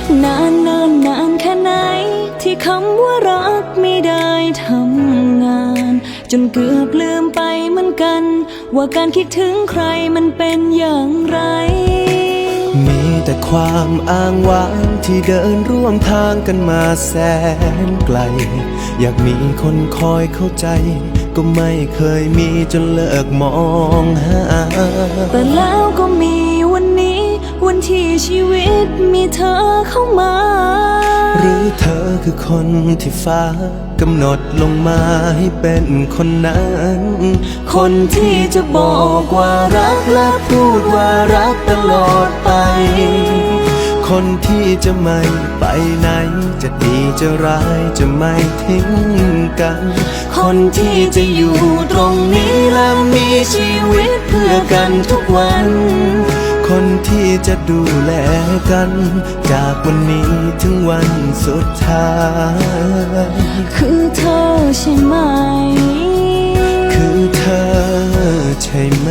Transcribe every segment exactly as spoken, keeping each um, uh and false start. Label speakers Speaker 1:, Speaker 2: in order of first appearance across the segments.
Speaker 1: นานนานนานแค่ไหนที่คำว่ารักไม่ได้ทำงานจนเกือบลืมไปเหมือนกันว่าการคิดถึงใครมันเป็นอย่างไร
Speaker 2: มีแต่ความอ้างว้างที่เดินร่วมทางกันมาแสนไกลอยากมีคนคอยเข้าใจก็ไม่เคยมีจนเลิกมองหา
Speaker 1: แต่แล้วก็มีวันนี้วันที่ชีวิตมีเธอเข้ามา
Speaker 2: หรือเธอคือคนที่ฟ้ากำหนดลงมาให้เป็นคนนั้นคนที่จะบอกว่ารักและพูดว่ารักตลอดไปคนที่จะไม่ไปไหนจะดีจะร้ายจะไม่ทิ้งกันคนที่จะอยู่ตรงนี้และมีชีวิตเพื่อกันทุกวันคนที่จะดูแลกันจากวันนี้ถึงวันสุดท้าย
Speaker 1: คือเธอใช่ไหม
Speaker 2: คือเธอใช่ไหม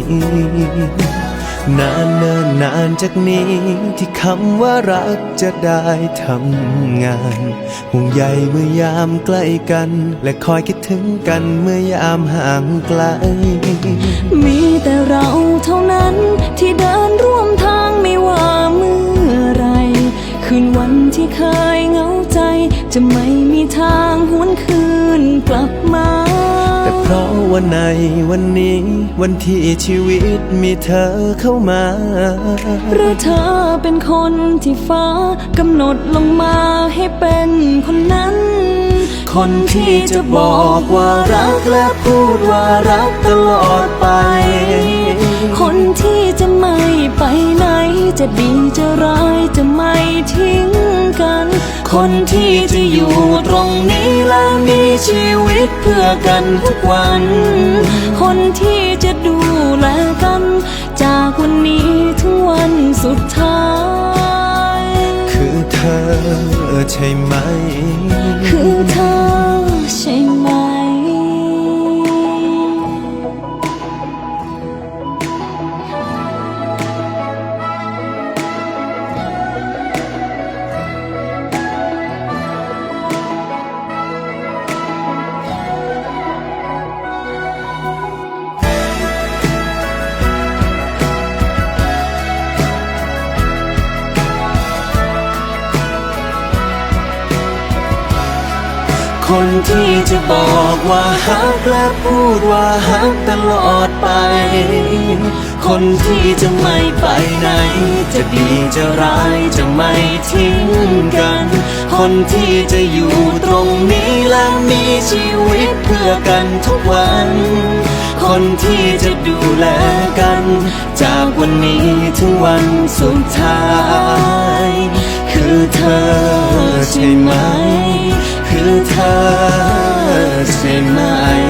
Speaker 2: นานเนิ่นนานจากนี้ที่คำว่ารักจะได้ทำงานห่วงใยเมื่อยามใกล้กันและคอยคิดถึงกันเมื่อยามห่างไกล
Speaker 1: มีแต่เราเท่านั้นที่เดินร่วมทางไม่ว่าเมื่อไรคืนวันที่เคยเหงาใจจะไม่มีทางหวนคืนกลับมา
Speaker 2: แต่เพราะว่าในวันนี้วันที่ชีวิตมีเธอเข้ามา
Speaker 1: หรือเธอเป็นคนที่ฟ้ากำหนดลงมาให้เป็นคนนั้น
Speaker 2: คนที่จะบอกว่ารักและพูดว่ารักตลอดไป
Speaker 1: คนที่จะไม่ไปไหนจะดีจะร้ายจะไม่ทิ้งกัน
Speaker 2: คนที่จะอยู่ตรงนี้และมีชีวิตเพื่อกันทุกวัน
Speaker 1: คนที่จะดูแลกันจากวันนี้ถึงวันสุดท้าย
Speaker 2: คือเธอใช่ไหม
Speaker 1: คือเธอใช่ไหม
Speaker 2: คนที่จะบอกว่าฮักและพูดว่าฮักตลอดไปคนที่จะไม่ไปไหนจะดีจะร้ายจะไม่ทิ้งกันคนที่จะอยู่ตรงนี้และมีชีวิตเพื่อกันทุกวันคนที่จะดูแลกันจากวันนี้ถึงวันสุดท้ายคือเธอใช่ไหมคือเธอใช่ไหม